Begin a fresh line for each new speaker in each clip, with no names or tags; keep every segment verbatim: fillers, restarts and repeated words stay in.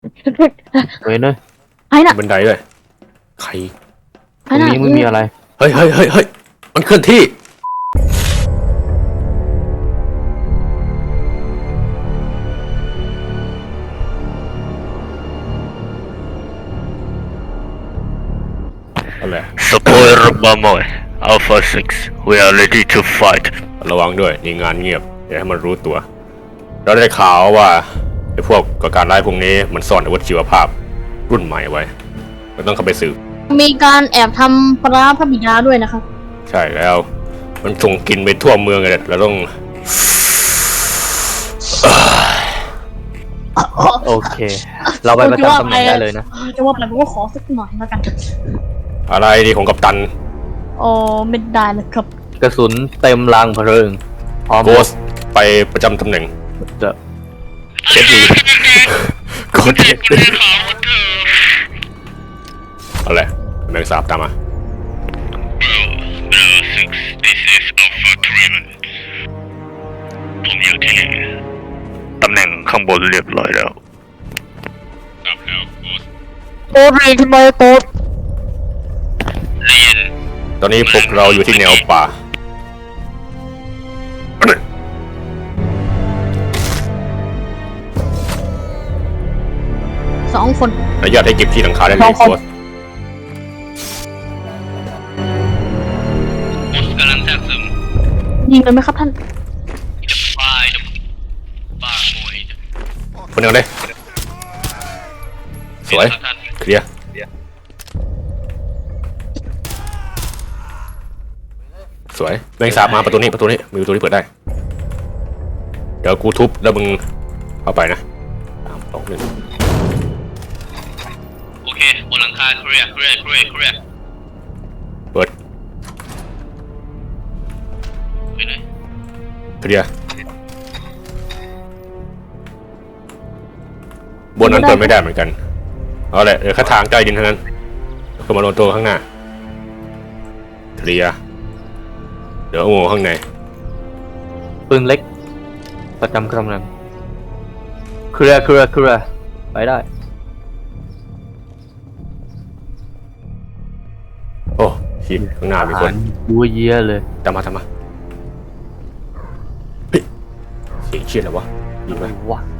เฮ้ยเนย
ไอ้น่ะ
บันไดด้วยใคร
ตรงนี้ไม่มีอะไร
เฮ้ยเฮ้ยเฮ้ยเฮ้ยมันเคลื่อนที่อะไร
Spoiler Mamoy, Alpha six, we are ready to fight.
ระวังด้วยนี่งานเงียบอย่าให้มันรู้ตัวเราได้ข่าวว่าไอ้พวกก่อการร้ายพวกนี้มันซ่อนอาวุธชีวภาพรุ่นใหม่ไว้เราต้องเข้าไปสืบ
มีการแอบทำปลาพระบิดาด้วยนะครับ
ใช่แล้วมันส่งกลิ่นไปทั่วเมืองเลยเราต้อง
โอเค เราไปประจำตำแหน่งได้เลยนะ
จะว่าไปผมก็ขอสักหน่อยแล้วกัน
อะไรดีของกัปตัน
โอ้ไม่ได้เลยครับ
กระสุนเต็มรางเพลิงพร้อม
โกสไปประจำตำแหน่ง
จะ
เช็ดดีโกสเช็ดดีเอาเลยแมงสาบตามมา
six, this is Alpha three. ผมอยู่ที่ตำแหน่งข้างบนเรียบร้อยแล้วครับแล้วโกส
โอ้ยทำไมโต๊ด
เรียน
ตอนนี้พวกเราอยู่ที่แนวป่า
สองคน
อนุญาตให้เก็บที่หลังคาได้เลยโกส
โกสกำลังแทรกซึม
ยิงเลยไหมครับท่าน
จะไปจะบ้าโมย
คนเดียวเลยสวยเคลียร์สวยแมงสาบมาประตูนี้ประตูนี้มีประตูที่เปิดได้เดี๋ยวกูทุบแล้วมึงเข้าไปนะสามสองหนึ่ง
โอเคบนหลังคาเคลียร์เคลียร์เคลียร์เคลียร์
เปิด
ไปเลย
เคลียร์บนนั้นเปิดไม่ได้เหมือนกันเอาแหละเดี๋ยวแค่ทางใต้ดินเท่านั้นคือมาโดนตัวข้างหน้าเคลียร์เดี๋ยวโง่ข้างใน
ปืนเล็ก ประจำตำแหน่งเคลียร์เคลียร์เคลียร์ไปได้
โอ้ชิบข้างหน้ามีคน
ยัวเยียเลย
ตามมาตามมาเฮ้ยเสียงเชี่ยอะไรวะยิงไหม
วะ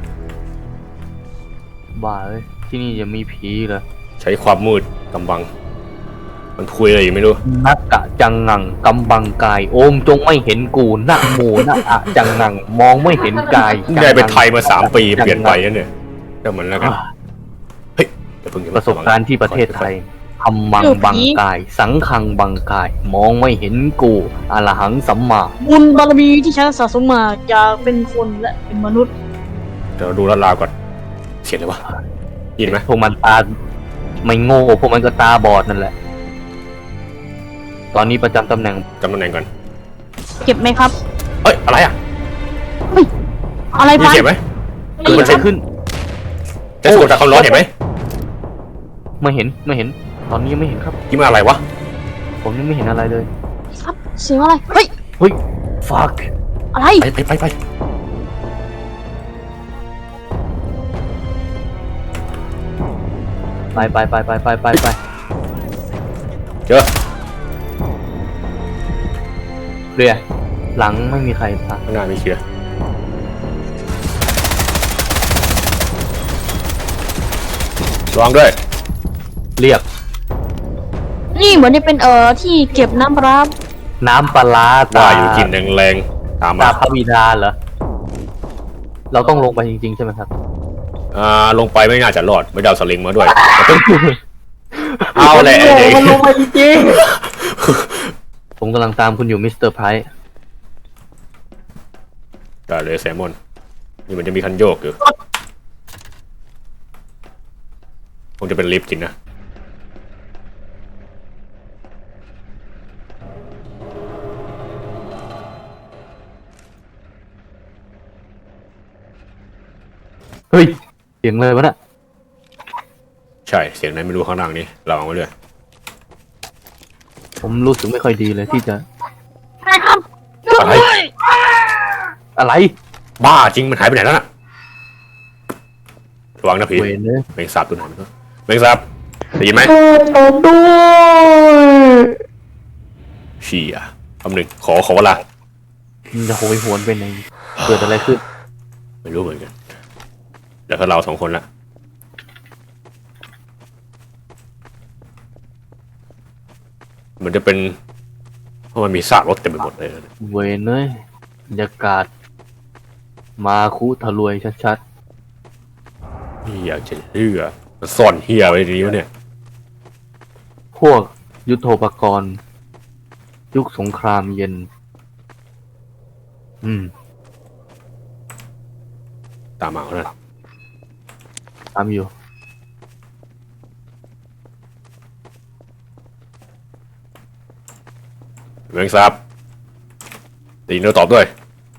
บ้าเอ้ยที่นี่จะมีผีเหรอ
ใช้ความมืดกำบัง มันคุยอะไรอยู่ไม่รู้
นักกะจังงังกำบังกาย โอมจงไม่เห็นกูนะโมนะอะจังงังมองไม่เห็นกาย
ได้ไปไทยมาสามปีเปลี่ยนไปนั่นเนี่ยก็เหมือนแล้วกันเฮ้ยอย่าเพิ่งอย่า
ป
เพิ่ง
ระสบการณ์ที่ประเทศไทยทำมัง
เออผี
บังกาย สังคังบังกาย มองไม่เห็นกูอรหังสัมมา
บุญบารมีที่ฉันสะสมมาจะเป็นคนและเป็นมนุษย์
เดี๋ยวดูลาดราวก่อนเสียงอะไรวะยินไหม
พวกมันตาไม่โง่พวกมันก็ตาบอดนั่นแหละ ตอนนี้ประจำตำแหน่ง
จำตำแหน่งก่อน
เก็บไหมครับ
เฮ้ยอะไรอ่ะ
เฮ้ยอะไร
มี
ไป
เสียงไหม
เกิดอะไรขึ้น
จะสะกดจากความร้อนเห็นไหม
ไม่เห็นไม่เห็น ตอนนี้ยังไม่เห็นครับ
ยิ้มอะไรวะ
ผมยังไม่เห็นอะไรเลย
ครับเสียงอะไรเฮ้ย
เฮ้ย fuck
อะไร
ไปไปไปไป
ไปไปไปไปไปไปไป
เจอ
เรียหลังไม่มีใครพัก
ข้างหน้ามีเคลียร์ระวังด้วย
เรียก
นี่เหมือนจะเป็นเอ่อที่เก็บน้ำปลาร้า
น้ำปลาร้าตา
ว่าอยู่กินแรงๆตาม
ตา
มา
พระบิดาเหรอ เราต้องลงไปจริงๆใช่ไหมครับ
อ่าลงไปไม่น่าจะรอดไม่ได้เอาสลิงมาด้วย เอาแหละไอ้เด็ก
มันลงไปจริงๆผมกำลังตามคุณอยู่มิสเตอร์ไพรส์
ได้เลยแซมมอนนี่มันจะมีคันโยกอยู่คงจะเป็นลิฟต์จริงนะ
เฮ้ย เสียงเลยวะน่ะ
ใช่เสียงไหนไม่รู้ข้างล่างนี้ระวังไว้ด้วย
ผมรู้สึกไม่ค่อยดีเลยที่จะ
ใช่ครับ
อะไร
อะไร
บ้าจริงมันหายไปไหนแล้วน่ะระวังนะผี
เวนเลย
แมงสาบตัวไหนมันก็แมงสาบได้ยินไหม
ตบด้วย
เชี่ยคำหนึ่งขอขอเวลา
มันจะโหยหวนไปไหนเกิดอะไรขึ้น
ไม่รู้เหมือนกันเดี๋ยวถ้าเราสองคนละมันจะเป็นเพราะมันมีซากรถเต็มไปหมดเลย
เวนเลยบรรยากาศมาคุทะลวยชัด
นี่อยากจะเชื่อมันซ่อนเฮียไว้ในนี้วะเนี่ย
ๆพวกยุทโธปกรณ์ ยุคสงครามเย็น อืม
ตามมาเอานะ
ตามอยู่
แมงสาบได้ยินเราตอบด้วย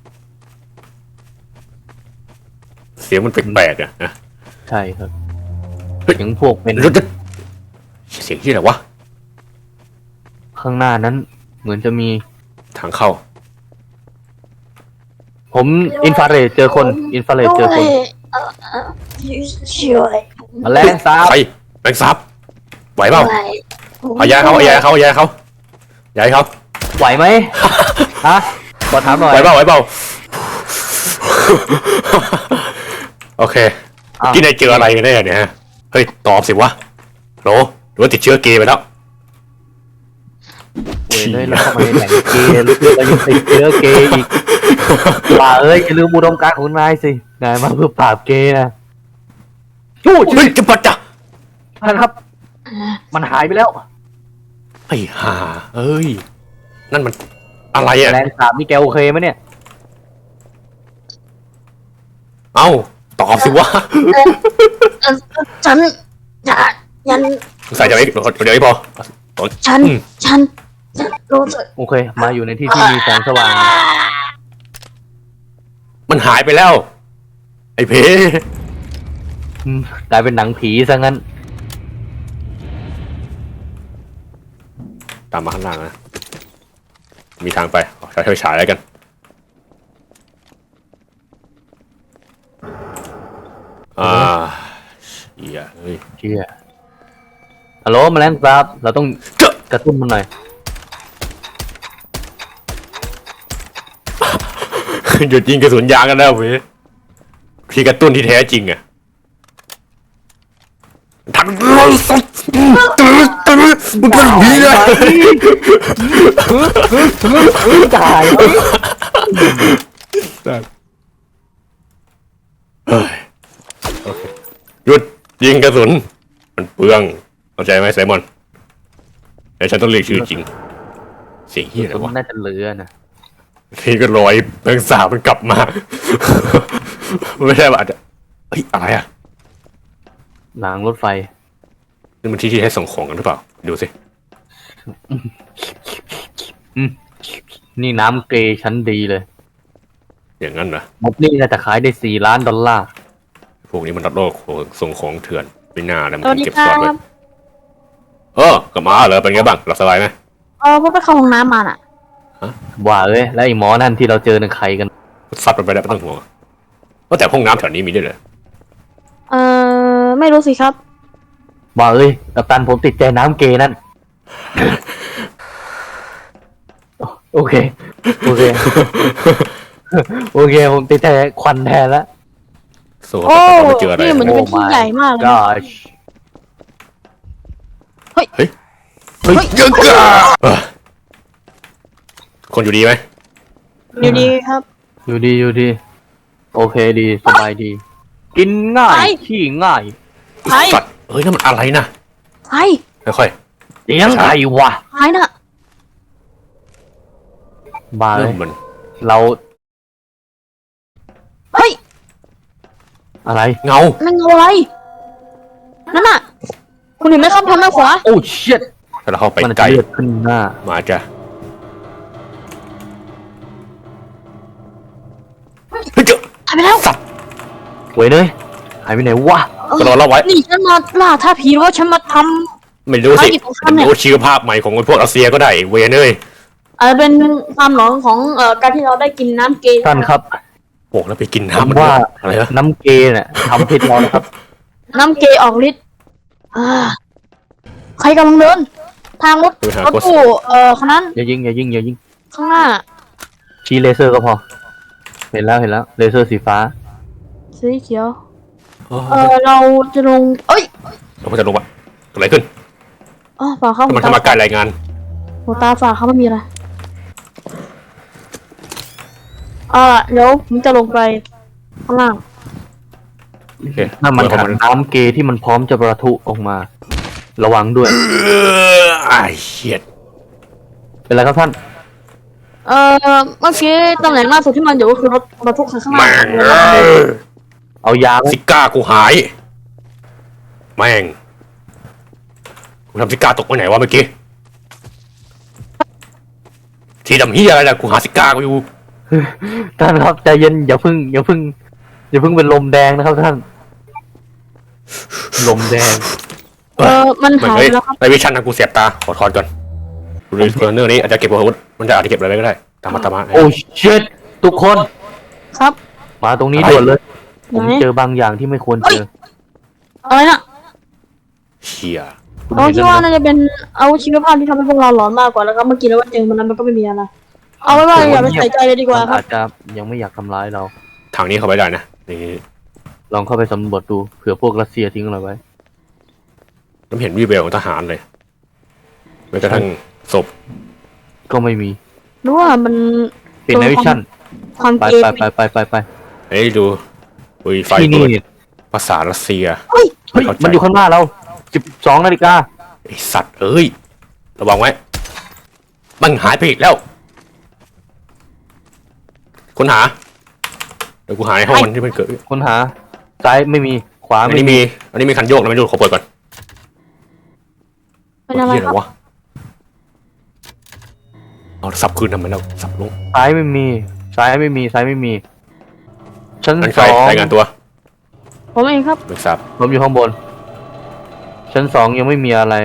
เสียงมันแปลกๆอะนะ
ใช่ครับ
เฮ้ย
เสียงพวกเป็น
รถเสียงที่ไหนวะ
ข้างหน้านั้น เหมือนจะมี
ทางเข้า
ผมอินฟราเรดเจอคน อินฟราเรดเจอคน
เออเออช่วย
แมลงสาบ
ใครแมงสาบไหวเปล่า
ไว้
เอายาเขาเอายาเขาเอายาเขายาให้เขา
ไหวไหม ฮะขอถามหน่อย
ไหวเปล่าไหวเปล่า โอเค
อ้าว
ที่นายเจออะไรกันแน่เนี่ยฮะเฮ้ยตอบสิวะโหรหรือว่าติดเชื้อเกย์ไปแล้ว
เว้ยเลยแล้วเข้ามาในแหล่งเกย์แล้วยังติดเชื้อเกย์อีกป่าเอ้ยอย่าลืมอุดมการณ์ของนายสินายมาเพื่อปราบเกย์นะจู้
เฮ้ยจะปัดจ้ะ
ท่านครับ มันหายไปแล้ว
ไอ้ห่าเอ้ยนั่นมันอะไรอ่ะ
แรงสาบนี่แกโอเคไหมเนี่ย
เอ้าตอบสิวะ
เออฉันจะยัน
ใส่เดี๋ยวนี้เดี๋ยวนี้พอ
ฉัน
อืม
ฉันฉันรู้สึก
โอเค มาอยู่ในที่ที่มีแสงสว่าง
มันหายไปแล้ว ไอ้เพ
อืมกลายเป็นหนังผีซะงั้น
ตามมาข้างล่างนะมีทางไปใช้ไฟฉายแล้วกันอ่าเหี้ยเฮ้ย
เชี่ยฮัลโหลแมลงสาบเราต้อง
เจ้าก
ระตุ้นมันหน่อย
หยุดยิงกระสุนยางกันแล้วเว้ยพี่กระตุ้นที่แท้จริงอะทันร้อยสัตว์มึงเป็นผีเลย
ตาย
หยุดยิงกระสุนมันเปลืองเข้าใจไหมไซมอนแต่ฉันต้องเรียกชื่อจริงเสียงเฮียอะไร
มั
วะ
นน่าจะเหลือนะ
พี่ก็ลอยแมงสาบมันกลับมา ไม่ใช่ว่าอาจจะเฮ้ยอะไรอ่ะ
รางรถไฟ
นี่มันที่ที่ให้ส่งของกันหรือเปล่าดูสิ
อืมนี่น้ำเกย์ชั้นดีเลย
อย่างนั้นเหรอ
ม็อบนี่น่าจะขายได้สี่ล้านดอลลาร์
พวกนี้มันรับโลกส่งของเถื่อนไม่น่าเลยมัน
สวัส
คง
ดี
เก็บ
ค
ซ่อน
รั
ไว้
บ
เออกลับมาเหรอเป็นไงบ้างหลับสบายไหม
เออพวกไปเข้าห้องน้ำมาน่ะ
ว่าเอ้ยแล้วไอ้หมอนั่นที่เราเจอในใครกัน
ซัดมันไปได้ไม่ต้องห่วงว่าแต่ห้องน้ำแถวนี้มีด้วยเหรอ
เออไม่รู้สิครับ
ว่าเอ้ยกัปตันผมติดใจน้ำเกย์นั่น โอเค โอเค โอเค ผมติดใจควันแทนแล้ว
สู้
โอ้
กับไม่เจออะไร
นี่เหมือนจะเป็นที่ใหญ่มากเลยนะ
gosh
เฮ้ย
เฮ้ย
เยอะกะเอ้อคนอยู่ดีไหม
อยู่ดีครับ
อยู่ดีอยู่ดี โอเคดีสบายดี กินง่าย
ไป
ขี้ง่าย
ไป
สัตว์เฮ้ยนั่นมันอะไรนะ
ไป
ค่อย
เสียงใครวะ
ไปน่ะ
บ้า
ๆ
เล
เริ่
ย
มมัน
เรา
เฮ้ย
อะไร
เงา
นั่นเงาอะไรนั่นน่ะคุณเห็นไหมครับทางด้านขวา
โอ้เชิด
ถ้าเราเข้าไป
มัน
ใกล้
เลือดขึ้นหน้า
มาจ้ะเฮ้ยเจอ
หายไปแล้ว
สัตว์
เว้ยเลยหายไปไหนวะ
ก็รอเราไว้
นี่ฉันมาล่าท่าผีหรือว่าฉันมาท
ไม่รู้สิ
ภารกิจของฉันเนี่ย
รู้ชื่อภาพใหม่ของพวกรัสเซียก็ได้เวยเนย
ำอาจจะเป็นความหลอนของเอ่อการที่เราได้กินน้ำเกย์
ท่านครับ
โอ้แล้วไปกิน
ผ
น้ำ
ม
มัน
ว่า
อะไรนะ
น้ำเกย์เนี่ยทำผิดเรานะครับ
น้ำเกย์ออกฤทธิ์อ่าใครกำลังเดิน ทางรถรถตู้เอ่อคนนั้น
อย่ายิงอย่ายิงอย่ายิง
ข้างหน้า
ชี้เลเซอร์ก็พอ เห็นแล้วเห็นแล้วเลเซอร์สีฟ้า
สีเขียว เออเราจะลง เอ้ย
เราก็จะลงวะเกิดอะไรขึ้น
อ๋อฝากเข้า
ทำไมทำมาการรายงาน
หัวตาฝากเขาไม่มีอะไรอ่าเดี๋ยวผมจะลงไปข้างล่าง
โอเค
นั่นมันถังน้ำเกที่มันพร้อมจะประทุออกมา ระวังด้วย
เออไอ้เหี้ย
เป็นไรครับท่าน
เอ่อเมื่อกี้ตำแหน่งล่าสุดที่มันอยู่ก็คือรถบรรทุกคันข้างหน้า
แม่งเอ้ย
เอายาไหม
ซิก้ากูหาย แม่งกูทำซิก้าตกไปไหนวะเมื่อกี้ทีดำเฮียอะไรล่ะกูหาซิก้ากูอยู่
ท่านครับใจเย็นอย่าเพึ่งอย่าเพึ่งอย่าเพึ่งเป็นลมแดงนะครับท่าน ลมแดง
เออมัน
เหมือน
หาย
เฮ้
ไป
ย
แล้วครับ
ในวิชั่นนะกูเสียบตาขอถอนก่อนดูดิเรื่องนี้อาจจะเก็บอาวุธมันจะอาจจะเก็บอะไรไว้ก็ได้ตามมาตามมา
โอ้เชิดทุกคน
ครับ
มาตรงนี้ด่วนเลย ผม
ไหน
เจอบางอย่างที่ไม่ควรเจอ
อะไรน่ะ
เชี่ย
คุณ
เรา
เห็น
คิด
แล้ว
ว่า
นะ
น่าจะเป็นเอาชีวภาพที่ทำให้พวกเราหลอนมากกว่าแล้วก็เมื่อกี้แล้วว่าเจอมันนั้นมันก็ไม่มีอะไรเอาไว้ว่าอย่าไปใส่ใจเลยดีกว่า
มัน
ครับ
อาจจะยังไม่อยากทำร้ายเรา
ทางนี้เข้าไปได้นะนี่
ลองเข้าไปสำรวจดูเผื่อพวกรัสเซียทิ้งอะไรไว้
น้ำเห็นวีเบลของทหารเลยแม้กระทั่งศพ
ก็ไม่มี
หรือว่ามัน
เป็นในวิชั่น
ความ
ไป
เกย์
ไปไปไปไปไป
เฮ้ยดูอุ้ยไฟ
ที่นี่
เปิดภาษารัสเซีย
เฮ้ย
เฮ้ย
เข้าใจ
มันอยู่ข้างหน้าเราสิบสองนาฬิกา
ไอสัตว์เอ้ยระวังไว้มันหายไปอีกแล้วค้นหาเดี๋ยวกูหาในห้องมันที่มันเกิด
ค้นหาซ้ายไม่มีขวา
อัน
ไม่
นี้
มี
มีอันนี้มีคันโยกนะไม่ดูขอเปิดก่อน
เป็นอะไร
เหี้ย
ครับ
วะเอาสับคืนทำไมแล้วสับลง
ซ้ายไม่มีซ้ายไม่มีซ้ายไม่มีชั้น
นั่นใค
ส
ร
อง
รายงานตัว
ผมเองครับ
ไม่ทราบ
ผมอยู่ข้างบน ชั้นสองยังไม่มีอะไร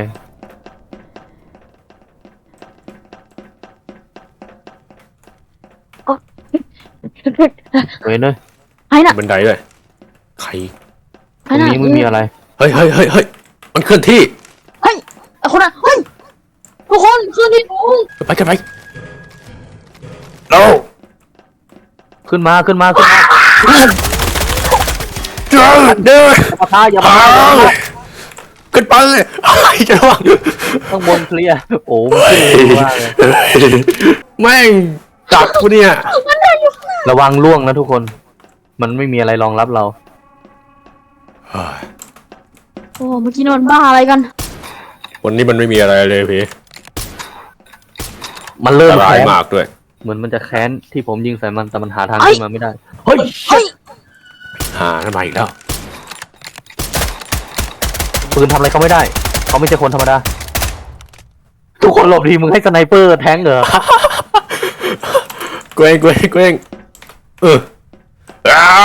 เว้ยเนย
ไอ้น่ะ
บันไดด้วยใคร
ตรงนี้ไม่มีอะไร
เฮ้ยเฮ้ยเฮ้ยเฮ้ยมันเคลื่อนที่
เฮ้ยไอ้คนน่ะเฮ้ยทุกคนขึ้นที่สูง
ไปกันไปเรา
ขึ้นมาขึ้นมาขึ้นมา
เดินเดิน
อย่ามาท้าอย่ามาท้าอย่ามาท้า
ขึ้นไปไอ้จะระวัง
ข้างบนเคลียร์โอ้มันขึ้นเร็วมากเลย
แม่งจับกูเนี่ย
ระวังล่วงนะทุกคน มันไม่มีอะไรรองรับเรา
โอ้เมื่อกี้นอนบ้าอะไรกัน
วันนี้มันไม่มีอะไรเลยพี่
มันเริ่ม
ร้าย
แค้น
มากด้วย
เหมือนมันจะแค้นที่ผมยิงใส่มันแต่มันหาทาง
เฮ้ย
ขึ้นมาไม่ได้ เฮ้ย
เฮ้ย
หาทำไมอีกแล้ว
ปืนทำอะไรเขาไม่ได้ เขาไม่ใช่คนธรรมดา ทุกคนหลบดีมึงให้สไนเปอร์แทงเหรอ
เกวงเกวงเกวงเอออ้า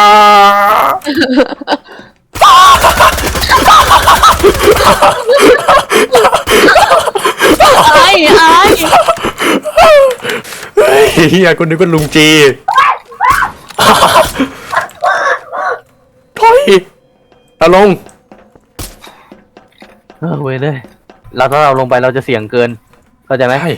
อะไรอะไร
เฮ้ยเฮียคนนึกว่าลุงจีถอยเอาลง
เออเว้ยเลยเราถ้าเราลงไปเราจะเสี่ยงเกิน เข้าใจไหม
ใช่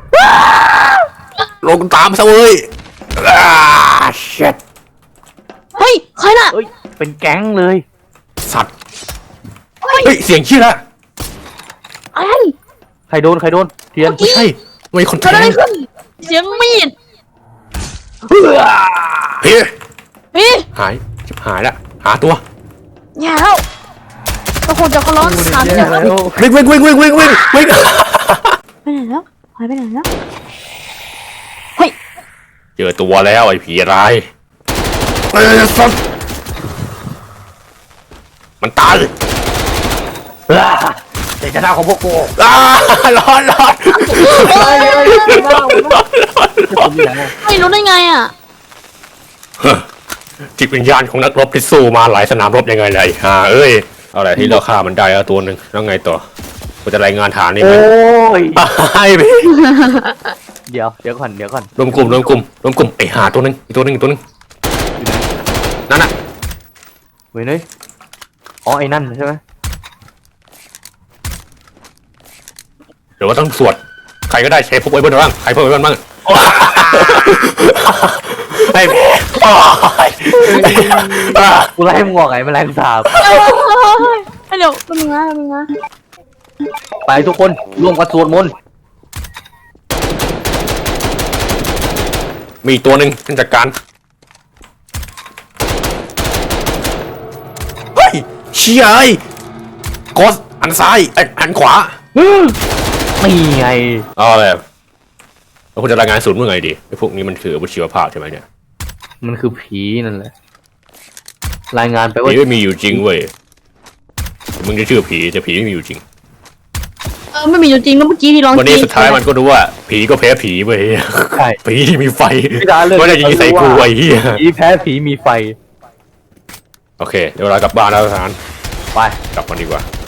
ลงตามซะเว้ยอ่าเช็ด
เฮ้ยใครน่ะ
เอ้ย เป็นแก๊งเลย
สัตว์ เฮ้ย เสียงชื่อละ
อะไร
ใครโดน ใครโดน เทียน
ไม่ใช่ไม่คน
เกิด
แท
อะไร
ง
ขึ้นเสียงมีด
เฮ้ย
พี่
หายชิบหายละหาตัว
แย่แล้วก็คงจะเขาร้อนขาดไปไหนแล้ว
วิ่งวิ่งวิ่งวิ่งวิ่งวิ่งวิ่ง
ไปไหนแล้วหายไปไหนแล้วเฮ้ย
เจอตัวแล้วไอ้ผีร้ายเฮ้ยสัตว์มันตาย
เด็กจะหน้าของพวกกู
อ้าร้อนร้อน
ไม่รู้ได้ไงอ่ะ
จิตวิญญาณของนักรบที่สู้มาหลายสนามรบยังไงเลยฮ่าเอ้ยเอาอะไรที่เราฆ่ามันได้แล้วตัวหนึ่งแล้วไงต่อกูจะรายงานฐานนี่ไหม
โอ้ย
ไอ้พี่
เดี๋ยว เดี๋ยวก่อน เดี๋ยวก่อน
รวมกลุ่มรวมกลุ่มรวมกลุ่มไอ้หาตัวหนึงอีกตัวหนึงอีกตัวหนึงนั่นน่ะ
เว้ยเนยอ๋อไอ้นั่นใช่ไหม
หรือว่าต้องสวดใครก็ได้เชฟพวกไว้บนบ้างใครพวกไว้บนบ้างไอ้แม่
กูไล่มึงออกไงแมลงสาบ
เฮ้ยเฮ้ยเดี๋ยวแป๊บนึงนะแป๊บนึงนะ
ไปทุกคนร่วมกันสวดมนต์
มีอีกตัวหนึ่งท่านจัดการเฮ้ยเชี่ยไอ้กดอันซ้ายไอ้อันขวา
นี่ไง
เอาแบบแล้วคุณจะรายงานศูนย์เมื่อไงดีไอ้พวกนี้มันคืออาวุธชีวภาพใช่ไหมเนี่ย
มันคือผีนั่นแหละรายงานไปว่า
ผีไม่มีอยู่จริงเว้ยมึงจะเชื่อผีแต่ผีไม่มีอยู่จริง
เออไม่มีอยู่จริงนะเมื่อกี้ที่ร้อง
วันนี้สุดท้ายมันก็รู้ว่าผีก็แพ้ผีเว้ย
ใช่
ผีที่มีไฟ
พี่ดาเลือก
ไม่ได้ยิงใส่กูไอ้เหี้ย
ผีแพ้ผีมีไฟ
โอเคเดี๋ยวเรากลับบ้านแล้วทหาร
ไป
กลับกันดีกว่า